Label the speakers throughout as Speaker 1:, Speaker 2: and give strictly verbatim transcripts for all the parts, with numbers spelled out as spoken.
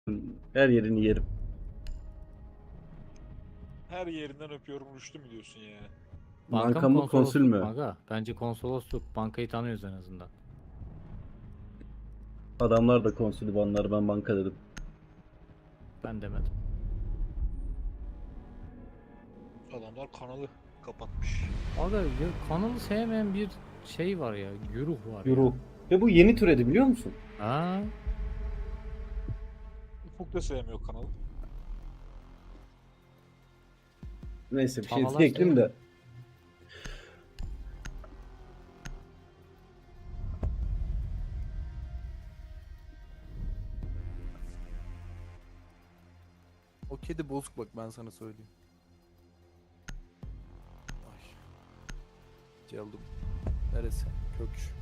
Speaker 1: Her yerini yerim.
Speaker 2: Her yerinden öpüyorum Rüştü mü diyorsun ya?
Speaker 3: Banka
Speaker 1: Banka
Speaker 3: mı
Speaker 1: mı konsül
Speaker 3: konsolosluk mu
Speaker 1: mü?
Speaker 3: aga? Bence konsolosluk. Bankayı tanıyoruz en azından.
Speaker 1: Adamlar da konsülü banlar, ben banka dedim.
Speaker 3: Ben demedim.
Speaker 2: Adamlar kanalı kapatmış.
Speaker 3: Aga ya, kanalı sevmeyen bir şey var ya. Güruh var
Speaker 1: Euro.
Speaker 3: ya.
Speaker 1: Ve bu yeni türedi biliyor musun?
Speaker 3: Ha?
Speaker 2: Ufuk da sevmiyor kanalı.
Speaker 1: Neyse bir şey
Speaker 3: Havalar
Speaker 1: diyecektim de.
Speaker 4: O kedi bozuk bak ben sana söyleyeyim. Ay. Geldim. Neresi? Kök.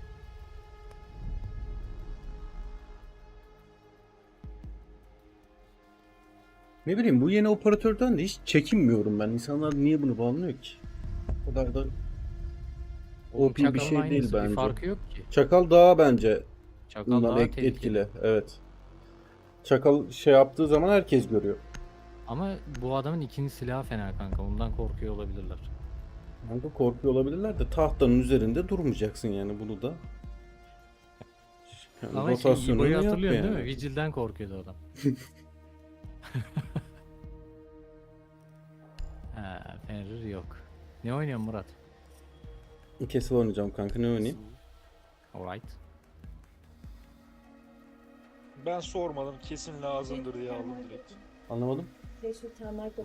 Speaker 1: Ne bileyim, bu yeni operatörden de hiç çekinmiyorum ben. İnsanlar niye bunu banlıyor ki? O kadar da O P bir
Speaker 3: Çakalın
Speaker 1: şey
Speaker 3: aynısı,
Speaker 1: değil
Speaker 3: bir
Speaker 1: bence.
Speaker 3: farkı yok ki.
Speaker 1: Çakal daha bence
Speaker 3: Çakal
Speaker 1: bundan
Speaker 3: daha
Speaker 1: et-
Speaker 3: tehlikeli.
Speaker 1: etkili. Evet. Çakal şey yaptığı zaman herkes görüyor.
Speaker 3: Ama bu adamın ikinci silahı fena kanka. Ondan korkuyor olabilirler.
Speaker 1: Kanka korkuyor olabilirler de tahtanın üzerinde durmayacaksın yani, bunu da. Yani
Speaker 3: Ama şey,
Speaker 1: rotasyonunu
Speaker 3: İbo'yu
Speaker 1: yap
Speaker 3: hatırlıyorsun
Speaker 1: yani.
Speaker 3: değil mi? Vigil'den korkuyordu adam. Ha, Fenrir yok. Ne oynuyorsun Murat?
Speaker 1: Castle oynayacağım kanka, ne oynayayım?
Speaker 3: Alright.
Speaker 2: Ben sormadım, kesin lazımdır diye aldım direkt.
Speaker 1: Anlamadım.
Speaker 5: Teşhir termal
Speaker 3: Doğru.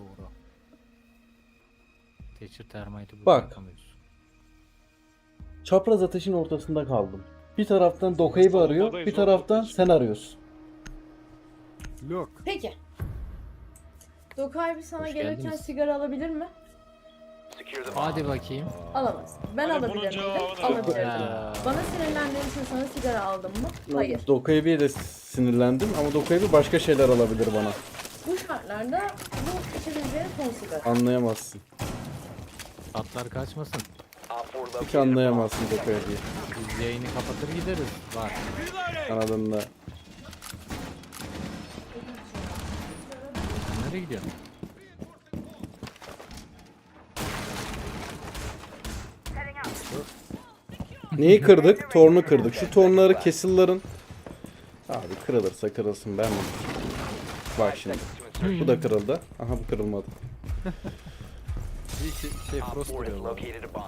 Speaker 3: Thatcher Termite'ı
Speaker 1: Bak.
Speaker 3: bırakamıyoruz.
Speaker 1: Çapraz ateşin ortasında kaldım. Bir taraftan Dokai'yi arıyor,
Speaker 2: Savunmadayız
Speaker 1: bir
Speaker 2: oğlum,
Speaker 1: taraftan
Speaker 2: hiç-
Speaker 1: sen arıyorsun.
Speaker 4: Look.
Speaker 5: Peki. Dokay bir sana
Speaker 3: Hoş
Speaker 5: gelirken
Speaker 3: geldiniz.
Speaker 5: sigara alabilir mi?
Speaker 3: Hadi bakayım.
Speaker 5: Alamaz. Ben
Speaker 2: Hani bunun
Speaker 5: alabilir miydim?
Speaker 2: cevabını-
Speaker 5: Alabilirdim.
Speaker 3: Ya.
Speaker 5: Bana sinirlendiğin için sana sigara aldım mı? Hayır.
Speaker 1: Dokai'ye de sinirlendim ama Dokai'ye başka şeyler alabilir bana.
Speaker 5: Bu şartlarda bu içebileceğin son sigara.
Speaker 1: Anlayamazsın.
Speaker 3: Atlar kaçmasın.
Speaker 1: Hiç anlayamazsın Dokai'yi.
Speaker 3: Biz yayını kapatır gideriz. Var.
Speaker 1: Anladın da.
Speaker 3: Sen nereye gidiyorsun?
Speaker 1: Neyi kırdık? Tornu kırdık. Şu tornları Castle'ların... Abi kırılırsa kırılsın, ben mi? Bak şimdi. Bu da kırıldı. Aha, bu kırılmadı.
Speaker 4: Bir şey, şey Frost duruyor lan.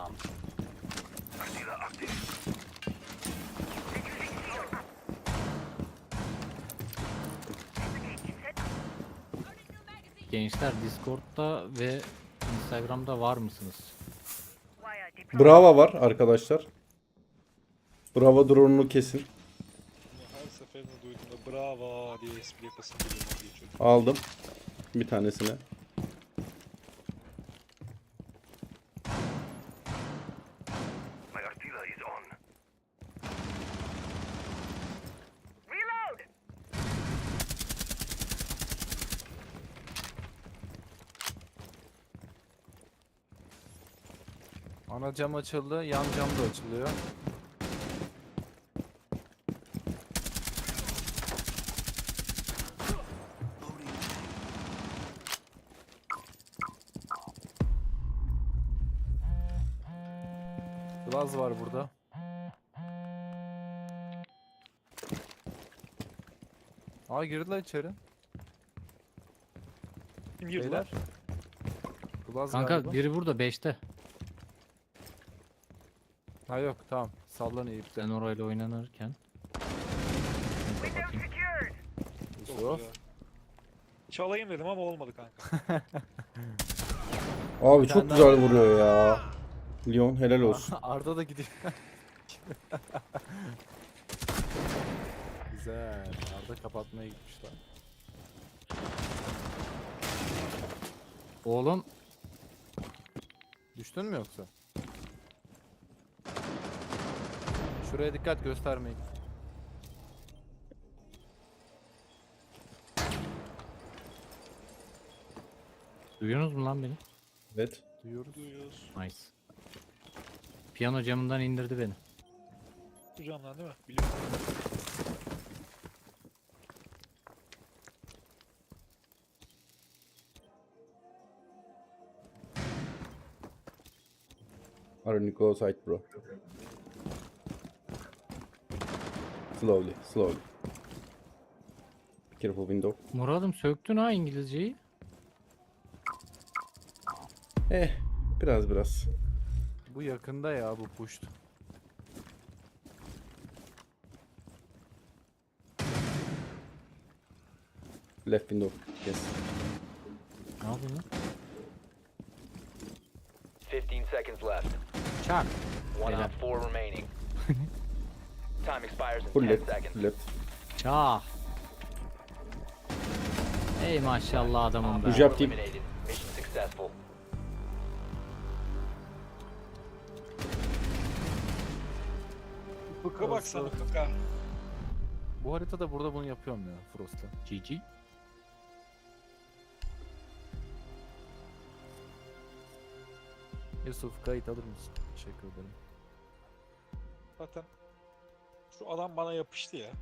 Speaker 3: Gençler Discord'da ve Instagram'da var mısınız?
Speaker 1: Brava var arkadaşlar. Brava drone'unu kesin.
Speaker 2: Bunu her seferinde duyduğumda bravo diye espri yapasım geliyor, vazgeçiyorum.
Speaker 1: Aldım. Bir tanesini.
Speaker 4: Ana cam açıldı, yan cam da açılıyor. Glaz var burada. Aa girdiler içeri.
Speaker 2: Kim girdi lan?
Speaker 4: Beyler. Glaz
Speaker 3: Kanka
Speaker 4: galiba.
Speaker 3: biri burada beşte.
Speaker 4: Ha yok tamam. Sallanıyor ipten.
Speaker 3: Ben orayla oynanırken. Şunu kapatayım.
Speaker 2: Çok
Speaker 4: Yusuf.
Speaker 2: güzel. Çalayım dedim ama olmadı kanka.
Speaker 1: Abi
Speaker 4: Bir
Speaker 1: çok
Speaker 4: tane
Speaker 1: güzel vuruyor ya. Leon helal olsun.
Speaker 4: Arda da gidiyor. Güzel. Arda kapatmaya gitmişler.
Speaker 3: Oğlum
Speaker 4: Düştün mü yoksa? Şuraya dikkat göstermeyin.
Speaker 3: duyuyorsunuz mu lan beni?
Speaker 1: Evet.
Speaker 4: Duyuyoruz.
Speaker 2: Duyuyoruz.
Speaker 3: Nice. Piyano camından indirdi beni.
Speaker 2: Bu camdan değil mi? Biliyorum.
Speaker 1: Are you go side bro? Slowly, slowly. Be careful window.
Speaker 3: Murat'ım söktün ha İngilizceyi.
Speaker 1: Eh, biraz biraz.
Speaker 4: Bu yakında ya bu puşt.
Speaker 1: Left window. Yes.
Speaker 3: Ne yapıyorsun lan?
Speaker 6: fifteen seconds left.
Speaker 3: Çak.
Speaker 6: One
Speaker 3: Helal.
Speaker 6: op four remaining. Time expires in
Speaker 1: Full
Speaker 6: ten
Speaker 1: left,
Speaker 6: seconds.
Speaker 1: full left.
Speaker 3: Çak. Ey maşallah adamım be.
Speaker 1: Güzel. Jab team.
Speaker 6: Eliminated. Mission successful.
Speaker 2: Fıkra baksana fıkra.
Speaker 4: Bu haritada burada bunu yapıyorum ya Frost'la.
Speaker 3: G G.
Speaker 4: Yusuf kayıt alır mısın? Teşekkür ederim.
Speaker 2: Zaten şu adam bana yapıştı ya.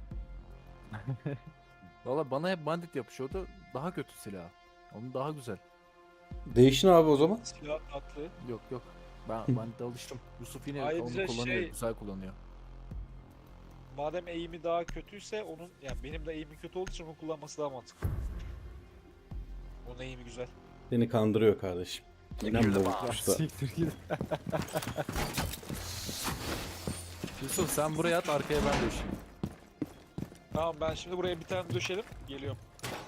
Speaker 4: Valla bana hep bandit yapışıyordu. Daha kötü silah. Onun daha güzel.
Speaker 1: Değişin abi o zaman.
Speaker 2: Silah tatlı.
Speaker 4: Yok yok. Ben bandite alıştım. Yusuf yine
Speaker 2: Ayrıca
Speaker 4: onu kullanıyor.
Speaker 2: şey-
Speaker 4: Güzel kullanıyor.
Speaker 2: Madem eğimi daha kötüyse onun yani benim de eğimim kötü olduğu için onu kullanması daha mantıklı. Onun eğimi güzel.
Speaker 1: Seni kandırıyor kardeşim. İnan bu
Speaker 4: Ya
Speaker 1: uçta.
Speaker 4: siktir git. Yusuf sen buraya at, arkaya ben döşeyim.
Speaker 2: Tamam ben şimdi buraya bir tane döşelim. Geliyorum.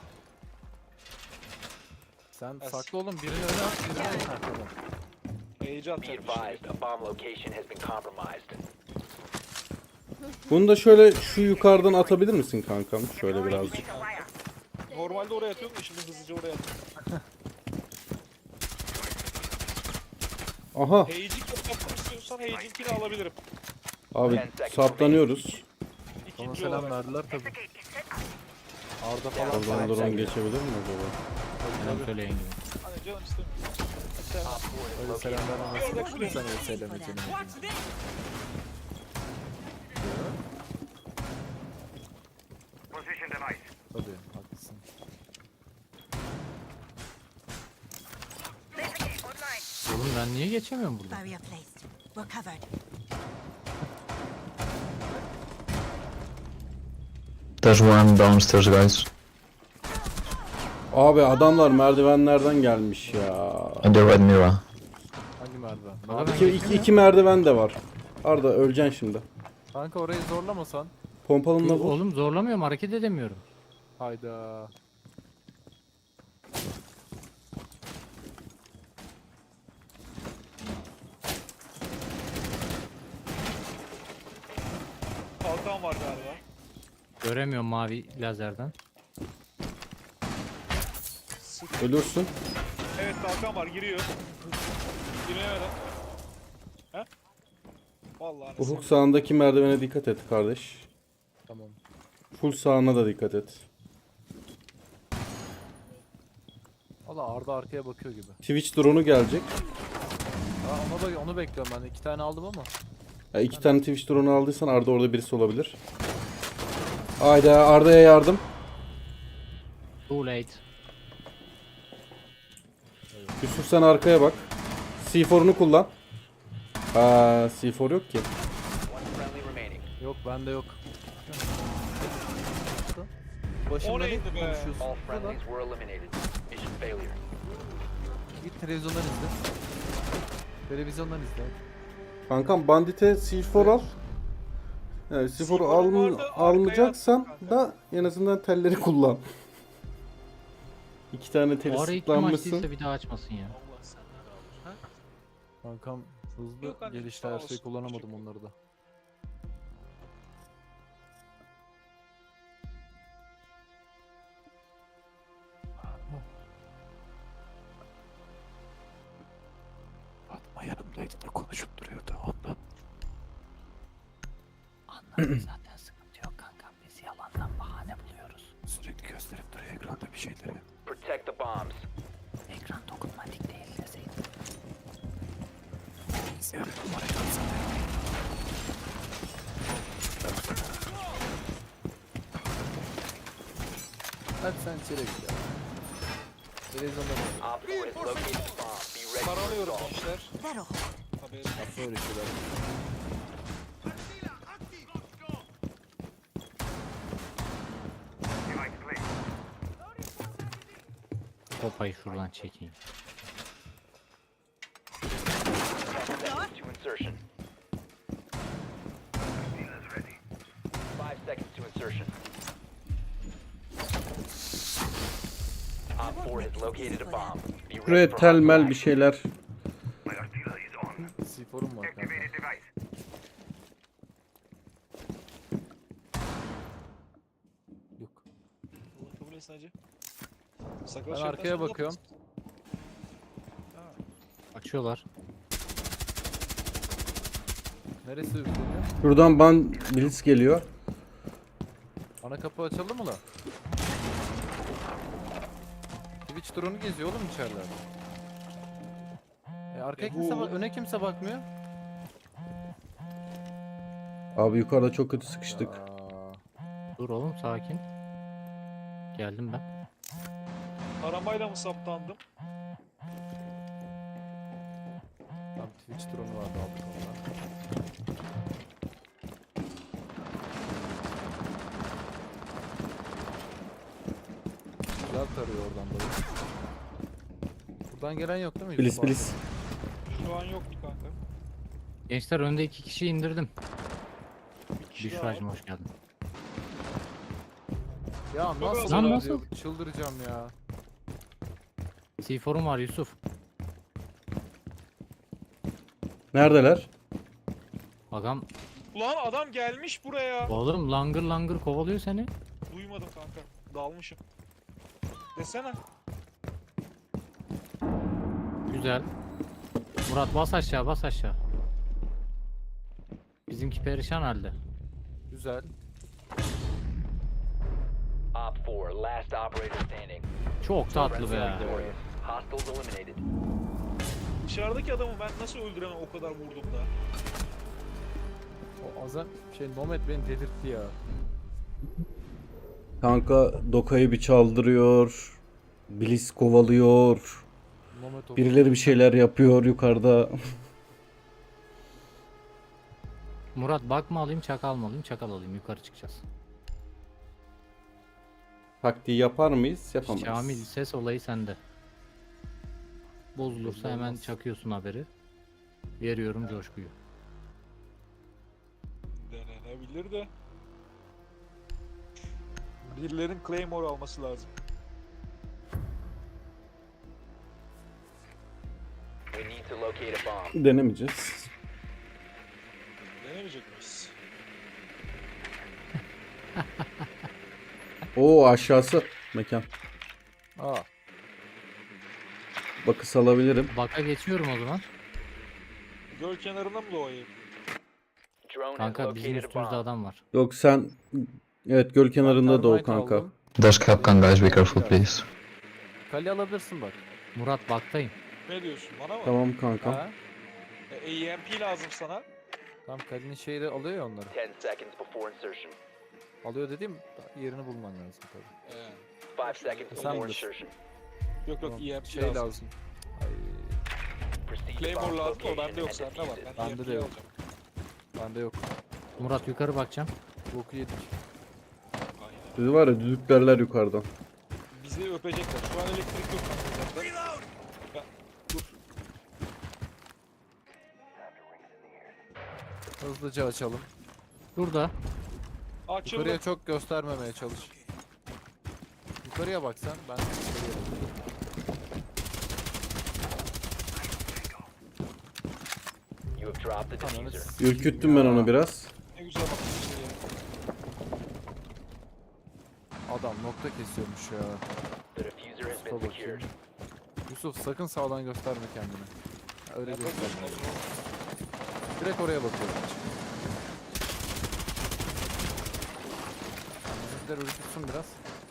Speaker 4: Sen
Speaker 2: As-
Speaker 4: saklı olun, birini öne at, birini en arkadan.
Speaker 2: Heyecan
Speaker 6: Be
Speaker 2: atacağım
Speaker 6: advised,
Speaker 2: şimdi.
Speaker 6: a bomb location has been compromised.
Speaker 1: Bunu da şöyle şu yukarıdan atabilir misin kankam? Şöyle birazcık.
Speaker 2: Normalde oraya atıyorum da şimdi hızlıca oraya atıyorum.
Speaker 1: Aha
Speaker 2: Heyecik yapmak istiyorsan heyecinkini alabilirim.
Speaker 1: abi saptanıyoruz.
Speaker 4: Sana
Speaker 2: İkinci
Speaker 4: selam
Speaker 2: olarak.
Speaker 4: verdiler tabi. Arda falan
Speaker 1: Oradan drone geçebilir mi acaba?
Speaker 3: Selam söyleyin gibi.
Speaker 2: Hani canım istemiyorum. Sen
Speaker 6: Op four has
Speaker 4: öyle
Speaker 6: located
Speaker 4: selam
Speaker 6: a bomb.
Speaker 4: vermezsin. Sen öyle selam içelim. Tabii haklısın.
Speaker 3: Oğlum ben niye geçemiyorum burada?
Speaker 7: Barrier placed. We're covered.
Speaker 8: There's one downstairs, guys.
Speaker 1: Abi adamlar merdivenlerden gelmiş ya.
Speaker 8: On the red mirror.
Speaker 4: Hangi merdiven?
Speaker 3: Baba ben
Speaker 1: İki, iki, iki merdiven de var. Arda öleceksin şimdi.
Speaker 4: Kanka orayı zorlamasan.
Speaker 1: Pompalınla vur.
Speaker 3: Oğlum zorlamıyorum, hareket edemiyorum.
Speaker 4: Hayda.
Speaker 2: kalkan var galiba.
Speaker 3: Göremiyorum mavi lazerden.
Speaker 1: Ölürsün.
Speaker 2: Evet kalkan var giriyor. Giremeden. He? Vallahi
Speaker 1: Ufuk
Speaker 2: nasıl?
Speaker 1: sağındaki merdivene dikkat et kardeş.
Speaker 4: Tamam.
Speaker 1: Full sağına da dikkat et.
Speaker 4: Valla Arda arkaya bakıyor gibi.
Speaker 1: Twitch drone'u gelecek.
Speaker 4: Aa, onu, da, onu bekliyorum ben. İki tane aldım ama.
Speaker 1: Ya iki tane Twitch drone'u aldıysan Arda orada birisi olabilir. Hayda Arda'ya yardım.
Speaker 3: Too late.
Speaker 1: Yusuf sen arkaya bak. C four'unu kullan. Aa C four yok ki.
Speaker 6: One friendly remaining.
Speaker 4: Yok bende yok.
Speaker 2: O
Speaker 4: Başımda ne
Speaker 2: neydi be?
Speaker 4: konuşuyorsun?
Speaker 6: All
Speaker 4: Dur lan.
Speaker 6: friendlies were eliminated. Mission failure.
Speaker 4: Git televizyondan izle. Televizyondan izle.
Speaker 1: Kankam bandite C four al. Yani C four'u
Speaker 2: C four'un
Speaker 1: alm
Speaker 2: vardı, arkaya
Speaker 1: almayacaksan
Speaker 2: attım
Speaker 1: da en azından telleri kullan. İki tane teli
Speaker 3: O arayı kim
Speaker 1: sıklanmışsın.
Speaker 3: açtıysa bir daha açmasın ya.
Speaker 2: Allah sen de razı olsun.
Speaker 4: Kankam hızlı
Speaker 2: Yok anneciğim,
Speaker 4: gelişte
Speaker 2: sağ
Speaker 4: her
Speaker 2: olsun.
Speaker 4: şeyi kullanamadım
Speaker 2: Teşekkür
Speaker 4: onları da. Fatma yanımdaydı da konuşup duruyordu ondan.
Speaker 3: Anladım zaten sıkıntı yok kankam. Biz yalandan bahane buluyoruz.
Speaker 4: Sürekli gösterip duruyor ekranda bir şeyleri.
Speaker 6: Protect the bombs.
Speaker 3: Ekran dokunmatik değil deseydin.
Speaker 4: Yarın numarayı atsana. Hadi sen içeri git ya. Televizyonda bak.
Speaker 6: Op four has located the bomb. Be ready to
Speaker 2: Taranıyorum
Speaker 6: assault.
Speaker 2: gençler.
Speaker 7: That'll hold.
Speaker 2: Haberin
Speaker 4: Yapma öyle şeyler.
Speaker 3: Kopayı şuradan çekeyim.
Speaker 6: To insertion. Five seconds to insertion. Op four has located a bomb. Be ready
Speaker 1: Şuraya
Speaker 6: for
Speaker 1: telmel
Speaker 6: hostile
Speaker 1: bir şeyler.
Speaker 4: C forum var kanka. Yok.
Speaker 2: Allah kabul etsin hacı. Sakal
Speaker 4: Ben
Speaker 2: şeytan
Speaker 4: arkaya
Speaker 2: sen ne
Speaker 4: bakıyorum.
Speaker 2: yapıyorsun?
Speaker 3: Açıyorlar.
Speaker 4: Neresi üfleniyor?
Speaker 1: Şuradan ban blitz geliyor.
Speaker 4: Ana kapı açıldı mı lan? Twitch drone'u geziyor oğlum içerilerde. E arkaya
Speaker 2: E bu-
Speaker 4: kimse bak- öne kimse bakmıyor.
Speaker 1: Abi yukarıda çok kötü sıkıştık.
Speaker 4: Aa,
Speaker 3: Dur oğlum sakin. Geldim ben.
Speaker 2: Aramayla mı saptandım?
Speaker 4: tam Twitch drone'u vardı aldık ondan. Güzel tarıyor oradan dayı. Buradan gelen yok değil mi?
Speaker 1: Blitz
Speaker 4: Yusuf abi?
Speaker 1: blitz.
Speaker 2: Şu an yoktu kanka.
Speaker 3: Gençler önde iki kişi indirdim.
Speaker 2: Bir kişi daha
Speaker 3: Büşra'cım
Speaker 2: var.
Speaker 3: hoş geldin.
Speaker 4: Ya nasıl
Speaker 3: Lan
Speaker 4: oluyor?
Speaker 3: nasıl?
Speaker 4: Çıldıracağım ya.
Speaker 3: C forum var Yusuf.
Speaker 1: Neredeler?
Speaker 3: Agam
Speaker 2: Ulan adam gelmiş buraya.
Speaker 3: oğlum langır langır kovalıyor seni.
Speaker 2: Duymadım kanka. Dalmışım. Desene.
Speaker 3: Güzel. Murat bas aşağı bas aşağı. Bizimki perişan halde.
Speaker 4: Güzel.
Speaker 6: Op four, last operator standing.
Speaker 3: Çok tatlı be.
Speaker 6: Victorious. Hostiles eliminated.
Speaker 2: Dışarıdaki adamı ben nasıl öldüremem o kadar vurdum da.
Speaker 4: O azam şey Nomad beni delirtti ya.
Speaker 1: Kanka Doka'yı bir çaldırıyor. Blitz kovalıyor.
Speaker 4: Nomad oldu.
Speaker 1: Birileri bir şeyler yapıyor yukarıda.
Speaker 3: Murat bak mı alayım çakal mı alayım? Çakal alayım yukarı çıkacağız.
Speaker 1: Taktiği yapar mıyız? Yapamayız.
Speaker 3: Şamil ses olayı sende. Bozulursa
Speaker 4: Belli
Speaker 3: hemen
Speaker 4: olmaz.
Speaker 3: çakıyorsun haberi. Veriyorum coşkuyu.
Speaker 2: Denenebilir de. Birilerin Claymore alması lazım.
Speaker 6: We need to locate a bomb.
Speaker 1: Denemeyeceğiz.
Speaker 2: Denemeyecek miyiz?
Speaker 1: Oo aşağısı mekan.
Speaker 4: Aa,
Speaker 1: Bakış alabilirim.
Speaker 3: Baka geçiyorum o zaman.
Speaker 2: Göl kenarında mı doğayım?
Speaker 6: Drone has
Speaker 3: Kanka bizim
Speaker 6: located a
Speaker 3: üstümüzde
Speaker 6: bomb.
Speaker 3: adam var.
Speaker 1: Yok sen evet göl kenarında da o
Speaker 4: Termite
Speaker 1: kanka.
Speaker 4: aldım.
Speaker 8: There's Kapkan, guys. Be careful, please.
Speaker 4: Kale alabilirsin bak.
Speaker 3: Murat baktayım.
Speaker 2: Ne diyorsun bana mı?
Speaker 1: Tamam kanka.
Speaker 4: Ha?
Speaker 2: E, E M P lazım sana.
Speaker 4: Tam Kale'nin şeyi de alıyor ya onları.
Speaker 6: Ten seconds before insertion.
Speaker 4: Alıyor dediğim yerini bulman lazım tabii.
Speaker 2: Ee,
Speaker 6: Five seconds
Speaker 4: Sen
Speaker 6: before
Speaker 4: bilirsin.
Speaker 6: insertion.
Speaker 2: yok yok
Speaker 4: Tamam,
Speaker 2: E M P
Speaker 4: şey
Speaker 2: lazım.
Speaker 4: lazım. Ay,
Speaker 6: Proceed to
Speaker 2: Claymore
Speaker 6: bomb
Speaker 2: lazım o
Speaker 6: location
Speaker 2: bende yok
Speaker 6: and
Speaker 2: sende var.
Speaker 6: defuse it.
Speaker 2: Ben
Speaker 4: Bende
Speaker 2: E M
Speaker 4: de
Speaker 2: P
Speaker 4: yok.
Speaker 2: alacağım.
Speaker 4: bende yok.
Speaker 3: Murat yukarı bakacağım.
Speaker 4: Boku yedik.
Speaker 2: Aynen.
Speaker 1: Sizi var ya düdüklerler yukarıdan.
Speaker 2: Bizi öpecekler. Şu an elektrik yok kanka zaten. Ya, dur.
Speaker 4: Hızlıca açalım.
Speaker 3: Burada.
Speaker 2: Açıldı.
Speaker 4: Yukarıya çok göstermemeye çalış. Yukarıya bak sen. Ben yukarıya bakıyorum.
Speaker 6: You have dropped the
Speaker 4: Ananı
Speaker 6: diffuser.
Speaker 4: s**eyim
Speaker 1: Ürküttüm ben
Speaker 4: ya.
Speaker 1: onu biraz.
Speaker 2: Ne güzel bakmış içeriye.
Speaker 4: Adam nokta kesiyormuş ya.
Speaker 6: The diffuser has
Speaker 4: Yusuf'a
Speaker 6: been
Speaker 4: bakayım.
Speaker 6: secured.
Speaker 4: Yusuf sakın sağdan gösterme kendini. Ha, Öyle
Speaker 2: Ne
Speaker 4: gösterme.
Speaker 2: bakıyorsun oğlum?
Speaker 4: Direkt oraya bakıyorum. Bizimkiler ürkütsün biraz.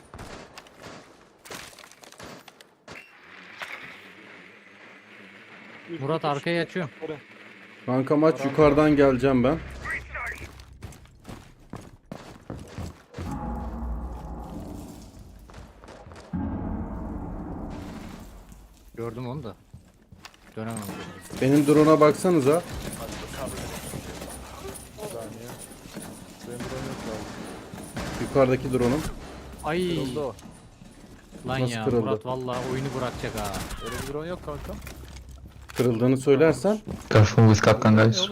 Speaker 3: Murat arkaya açıyorum.
Speaker 1: Kanka maç yukarıdan geleceğim ben.
Speaker 3: Gördüm onu da. Göremem.
Speaker 1: Benim drone'a baksanıza.
Speaker 4: Bir saniye. Benim drone yok ya.
Speaker 1: Yukarıdaki drone'um.
Speaker 3: Ay
Speaker 4: Kırıldı o.
Speaker 3: lan
Speaker 1: Nasıl
Speaker 3: ya
Speaker 1: kırıldı?
Speaker 3: Murat vallahi oyunu bırakacak ha.
Speaker 4: Öyle bir drone yok kanka.
Speaker 1: Kırıldığını söylersen.
Speaker 8: Careful with Kapkan,
Speaker 4: Ne
Speaker 8: guys.
Speaker 4: oğlum?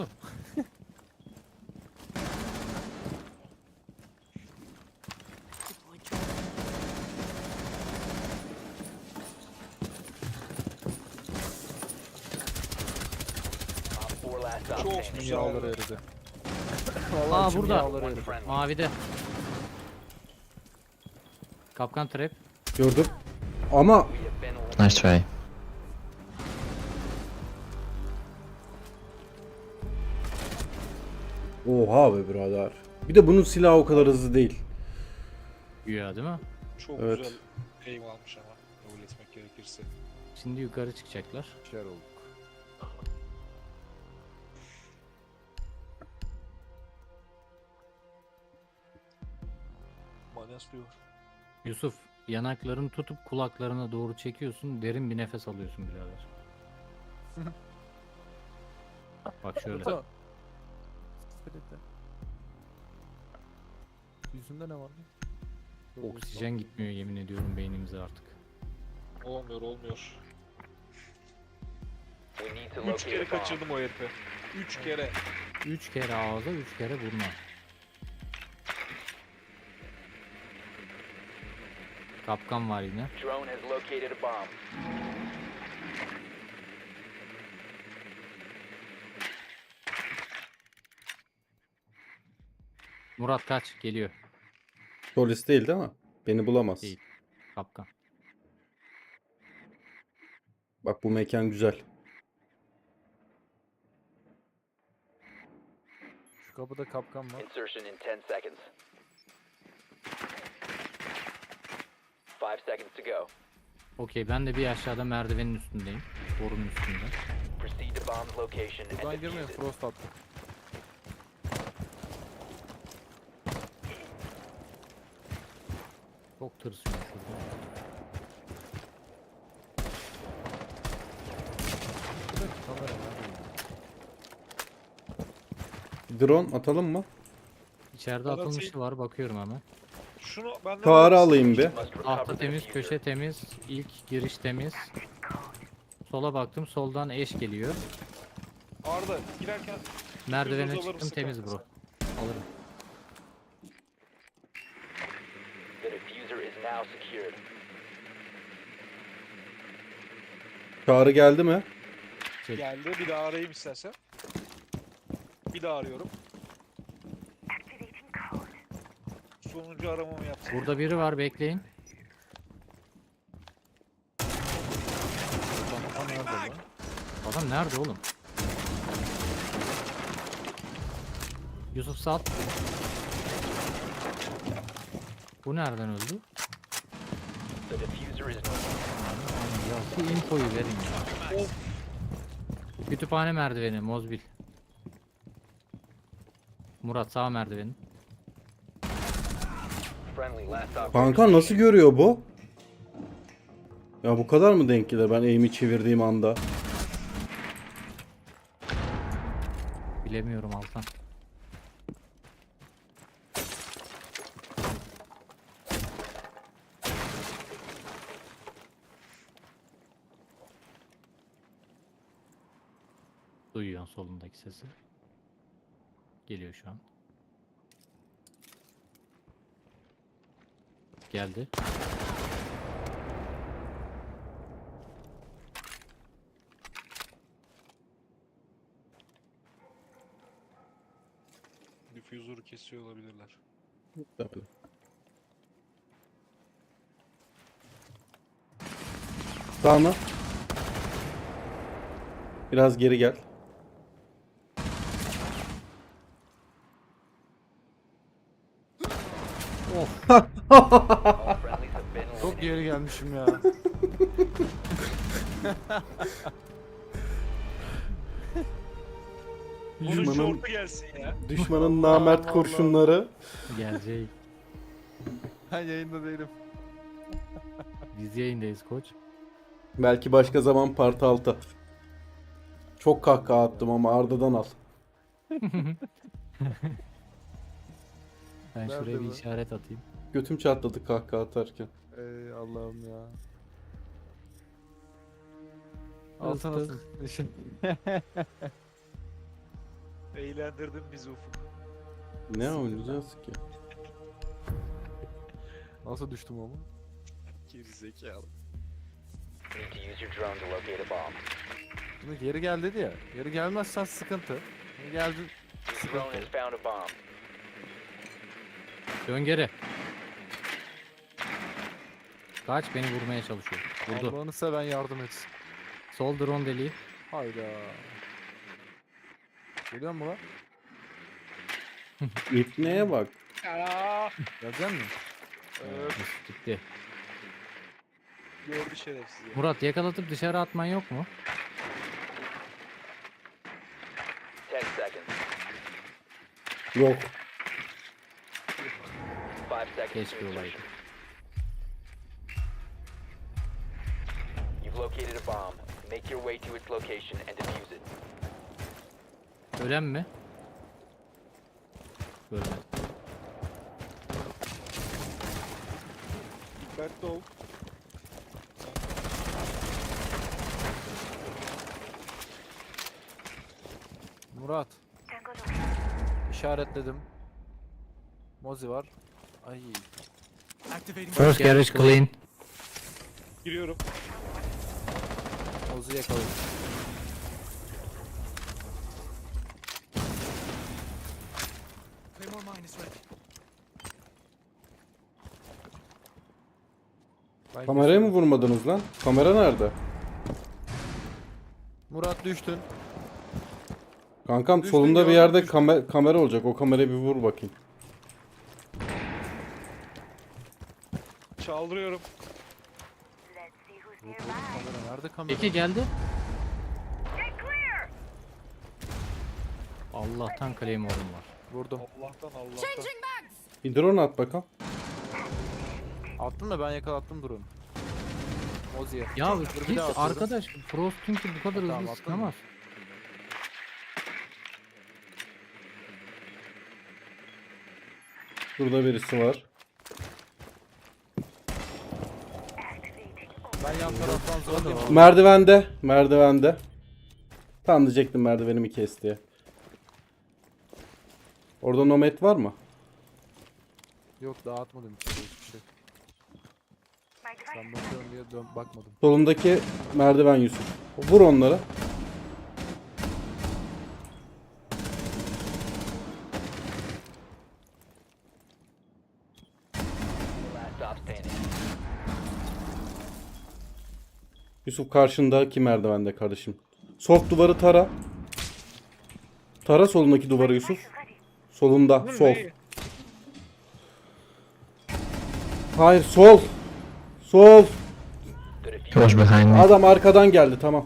Speaker 6: Op four last stop
Speaker 2: Çok
Speaker 6: standing.
Speaker 2: güzel.
Speaker 4: Yağları eridi.
Speaker 3: Aa,
Speaker 4: Vallahi içim
Speaker 3: burada.
Speaker 4: yağları
Speaker 6: One
Speaker 4: eridi.
Speaker 6: friendly.
Speaker 3: Mavide. Kapkan trap.
Speaker 1: Gördüm. Ama
Speaker 6: We have been eliminated.
Speaker 8: Nice try.
Speaker 1: oha be birader. Bir de bunun silahı o kadar hızlı değil.
Speaker 3: Güya değil mi?
Speaker 2: Çok
Speaker 1: Evet.
Speaker 2: güzel aim almış ama. Kabul etmek gerekirse.
Speaker 3: Şimdi yukarı çıkacaklar.
Speaker 4: Şer olduk.
Speaker 2: Manas diyor.
Speaker 3: Yusuf yanaklarını tutup kulaklarına doğru çekiyorsun. Derin bir nefes alıyorsun birader. Bak şöyle.
Speaker 4: Tamam. Sıkıntı. Yüzünde ne var?
Speaker 3: Oksijen gitmiyor yemin ediyorum beynimize artık.
Speaker 2: Olmuyor olmuyor.
Speaker 6: We need to
Speaker 2: Üç
Speaker 6: locate
Speaker 2: kere
Speaker 6: a bomb.
Speaker 2: kaçırdım o herifi. Üç kere.
Speaker 3: Üç kere ağza, üç kere burna. Kapkan var yine.
Speaker 6: Drone has located a bomb.
Speaker 3: Murat kaç geliyor.
Speaker 1: Polis değil değil mi? Beni bulamaz.
Speaker 3: Değil. Kapkan.
Speaker 1: Bak bu mekan güzel.
Speaker 4: Şu kapıda kapkan var.
Speaker 6: Insertion in ten seconds. Five seconds to go.
Speaker 3: Okey ben de bir aşağıda merdivenin üstündeyim. Borunun üstünde.
Speaker 6: Proceed to bomb's location and
Speaker 4: Buradan girmeyin,
Speaker 6: defuse it.
Speaker 4: frost attık.
Speaker 3: Çok tırsıyorum şurada.
Speaker 4: Buradaki kamera nerede?
Speaker 1: Drone atalım mı?
Speaker 3: İçeride
Speaker 2: Murat
Speaker 3: atılmışı
Speaker 2: şey-
Speaker 3: var bakıyorum hemen.
Speaker 2: Şunu ben de
Speaker 1: Çağrı alayım bir.
Speaker 6: Must recover
Speaker 3: Tahta
Speaker 6: the
Speaker 3: temiz,
Speaker 6: diffuser.
Speaker 3: köşe temiz, ilk giriş temiz. Sola baktım, soldan eş geliyor.
Speaker 2: Arda girerken
Speaker 3: Merdivene
Speaker 2: Düz alır
Speaker 3: çıktım,
Speaker 2: mısın
Speaker 3: temiz
Speaker 2: kanka
Speaker 3: bro. Alırım.
Speaker 6: The diffuser is now secured.
Speaker 1: Çağrı geldi mi?
Speaker 3: Çek.
Speaker 2: geldi. Bir daha arayayım istersen. Bir daha arıyorum. Sonuncu aramamı yaptım.
Speaker 3: Burada biri var, bekleyin.
Speaker 4: Tam nerede lan?
Speaker 3: Adam nerede oğlum? Yusuf sat. Bu nereden öldü?
Speaker 6: The diffuser is
Speaker 3: Ya şu infoyu verin ya. Kütüphane merdiveni, Mozbil. Murat sağ merdiveni.
Speaker 6: friendly. Last stop.
Speaker 1: Kanka nasıl görüyor bu? Ya bu kadar mı denk gelir ben aim'i çevirdiğim anda?
Speaker 3: Bilemiyorum Altan. Duyuyorsun solundaki sesi. Geliyor şu an. Geldi.
Speaker 2: Diffuser'ı kesiyor olabilirler.
Speaker 1: Tabii. Sağ mı? Biraz geri gel.
Speaker 6: All friendlies have been
Speaker 4: Çok
Speaker 6: eliminated.
Speaker 4: geri gelmişim ya.
Speaker 2: Onun
Speaker 1: Düşmanın,
Speaker 2: şortu gelsin ya.
Speaker 1: düşmanın namert
Speaker 4: Allah.
Speaker 1: kurşunları.
Speaker 3: Gelecek.
Speaker 4: Ben yayında değilim.
Speaker 3: Biz yayındayız koç.
Speaker 1: Belki başka zaman part altı. Çok kahkaha attım ama Arda'dan al.
Speaker 3: Ben
Speaker 4: Nerede
Speaker 3: şuraya bir
Speaker 4: bu?
Speaker 3: işaret atayım.
Speaker 1: Götüm çatladı kahkaha atarken.
Speaker 4: Ey Allah'ım ya.
Speaker 3: Alsana
Speaker 4: Altın
Speaker 3: alsın.
Speaker 2: Eğlendirdin bizi Ufuk.
Speaker 1: Ne oynayacağız ki?
Speaker 4: Nasıl düştüm ama?
Speaker 2: Gerizekalı.
Speaker 6: Need to use your drone to locate a bomb.
Speaker 4: Şimdi geri gel dedi ya. Geri gelmezsen sıkıntı. Geri geldi.
Speaker 6: Your drone has found a bomb.
Speaker 3: Dön geri. Kaç, beni vurmaya çalışıyor. Vurdu.
Speaker 4: Allah'ını seven yardım etsin.
Speaker 3: Sol drone deliği.
Speaker 4: Hayda. Geliyor mu lan?
Speaker 1: İpneye bak.
Speaker 2: Aa,
Speaker 4: Gelecek mi?
Speaker 3: Mesut gitti.
Speaker 2: gördü şerefsiz ya.
Speaker 3: Murat, yakalatıp dışarı atman yok mu?
Speaker 6: Ten seconds.
Speaker 1: Yok.
Speaker 6: Five seconds.
Speaker 3: Keşke
Speaker 6: to
Speaker 3: olaydı.
Speaker 6: insertion. You've located a bomb. Make your way to its location and defuse it.
Speaker 3: Ölen mi? Ölmedi.
Speaker 2: Dikkatli ol.
Speaker 4: Murat. İşaretledim. Mozi var. Ay.
Speaker 3: First garage clean.
Speaker 2: Giriyorum.
Speaker 4: Mozi yakaladım. Ben
Speaker 1: Kameraya mı
Speaker 4: kesin-
Speaker 1: vurmadınız lan? Kamera nerede?
Speaker 4: Murat düştün.
Speaker 1: Kankam
Speaker 4: Düştün,
Speaker 1: solunda bir
Speaker 4: gördüm,
Speaker 1: yerde
Speaker 4: düştün.
Speaker 1: kame- kamera olacak. O kamerayı bir vur bakayım.
Speaker 2: Çaldırıyorum.
Speaker 4: Yok oğlum, kamera nerede kamera?
Speaker 3: İki geldi. Allah'tan Claymore'um var.
Speaker 4: Vurdum.
Speaker 2: Allah'tan Allah'tan.
Speaker 1: Bir drone at bakalım.
Speaker 4: Attım da ben yakalattım durun. Mozi'ye.
Speaker 3: Ya
Speaker 4: Dur, bir
Speaker 3: hiç
Speaker 4: daha atıyorum.
Speaker 3: arkadaş Frost çünkü bu kadar
Speaker 4: Tamam,
Speaker 3: hızlı
Speaker 4: attın
Speaker 3: sıkamaz.
Speaker 1: Şurada birisi var.
Speaker 4: Ben yan taraftan zorladım.
Speaker 1: Merdivende. Merdivende. Tam diyecektim merdivenimi kes diye. Orada nomad var mı?
Speaker 4: Yok dağıtmadım hiçbir şey. hiçbir şey. Sen bakıyorum diye dön bakmadım.
Speaker 1: Solundaki merdiven Yusuf. Vur onları.
Speaker 6: Last stop standing.
Speaker 1: Yusuf karşındaki merdivende kardeşim. Soft duvarı tara. Tara solundaki duvarı Yusuf. Solunda. Sol.
Speaker 2: Neyi?
Speaker 1: Hayır sol. Sol.
Speaker 6: The
Speaker 8: He
Speaker 6: diffuser.
Speaker 8: was behind me.
Speaker 1: Adam arkadan geldi tamam.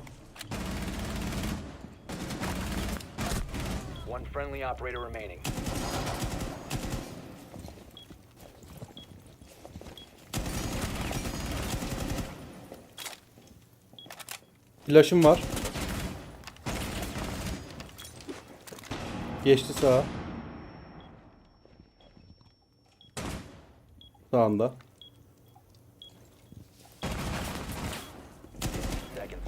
Speaker 6: One friendly operator remaining.
Speaker 1: Flash'ım var. Geçti sağa. Sağında.
Speaker 6: Seconds.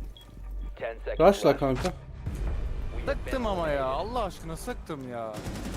Speaker 6: Ten seconds
Speaker 1: Rush'la
Speaker 6: left.
Speaker 1: kanka.
Speaker 6: We have been
Speaker 4: Sıktım ama ya.
Speaker 6: eliminated.
Speaker 4: Allah aşkına sıktım ya.